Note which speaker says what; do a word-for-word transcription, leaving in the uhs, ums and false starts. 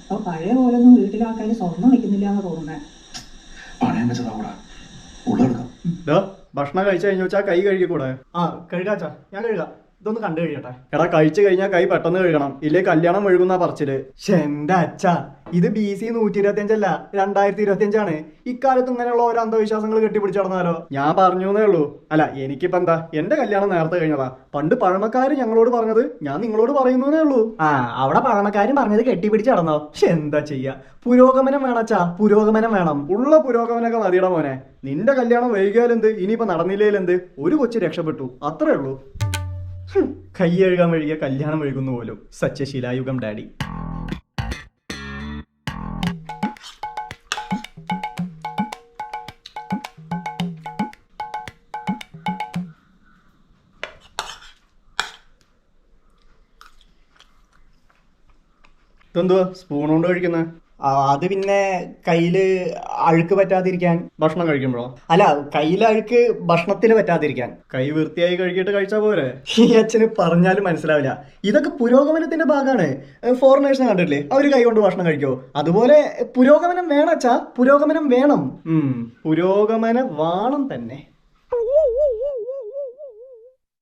Speaker 1: അപ്പൊ പഴയ പോലെ ഒന്നും വീട്ടിലെ ആൾക്കാർ സ്വർണ്ണം വെക്കുന്നില്ല എന്ന് തോന്നുന്നേ.
Speaker 2: പണയം വെച്ചതാ ഉള്ളെടുക്കാം.
Speaker 3: ഭക്ഷണം കഴിച്ചു കഴിഞ്ഞു വെച്ചാൽ കൈ കഴുകിക്കൂടെ? ആ കഴുകാച്ചാ, ഞാൻ കഴുകാം. ഇതൊന്ന് കണ്ടു കഴിയട്ടെ. എടാ കഴിച്ചു കഴിഞ്ഞാൽ കൈ പെട്ടെന്ന് കഴുകണം, ഇല്ലേ കല്യാണം ഒഴുകുന്ന പറച്ചില്. എന്റെ അച്ഛ, ഇത് ബി സി നൂറ്റി ഇരുപത്തി അഞ്ചല്ല രണ്ടായിരത്തി ഇരുപത്തി അഞ്ചാണ്. ഇക്കാലത്ത് ഇങ്ങനെയുള്ള ഓരോ അന്ധവിശ്വാസങ്ങൾ കെട്ടിപ്പിടിച്ച് നടന്നാലോ? ഞാൻ പറഞ്ഞു എന്നേ ഉള്ളൂ. അല്ല എനിക്കിപ്പോ എന്താ, എന്റെ കല്യാണം നേരത്തെ കഴിഞ്ഞതാ. പണ്ട് പഴമക്കാര് ഞങ്ങളോട് പറഞ്ഞത് ഞാൻ നിങ്ങളോട് പറയുന്നേ ഉള്ളൂ. ആ അവിടെ പഴമക്കാരും പറഞ്ഞത് കെട്ടിപ്പിടിച്ച് നടന്നോ? പക്ഷെ എന്താ ചെയ്യാ, പുരോഗമനം വേണച്ചാ, പുരോഗമനം വേണം. ഉള്ള പുരോഗമനൊക്കെ മതിയുടെ മോനെ. നിന്റെ കല്യാണം വൈകിയാലെന്ത്, ഇനിയിപ്പോ നടന്നില്ലേലെന്ത്, ഒരു കൊച്ചു രക്ഷപ്പെട്ടു, അത്രേ ഉള്ളൂ. കൈ കഴുകാൻ വഴിയ കല്യാണം വഴുകുന്നു പോലും. സച്ച ശിലായുഗം ഡാഡി. ഇതെന്തുവാ സ്പൂൺ കൊണ്ട് കഴിക്കുന്നത്? അത് പിന്നെ കയ്യില് അഴുക്ക് പറ്റാതിരിക്കാൻ. ഭക്ഷണം കഴിക്കുമ്പോഴോ? അല്ല, കയ്യില് അഴുക്ക് ഭക്ഷണത്തിൽ പറ്റാതിരിക്കാൻ. കൈ വൃത്തിയായി കഴുകിയിട്ട് കഴിച്ചാൽ പോരെ? ഈ അച്ഛന് പറഞ്ഞാലും മനസ്സിലാവില്ല. ഇതൊക്കെ പുരോഗമനത്തിന്റെ ഭാഗമാണ്. ഫോറിനേഴ്സിനെ കണ്ടിട്ടില്ലേ, അവര് കൈ കൊണ്ട് ഭക്ഷണം കഴിക്കോ? അതുപോലെ പുരോഗമനം വേണം അച്ഛാ, പുരോഗമനം വേണം. ഉം പുരോഗമന വാണം തന്നെ.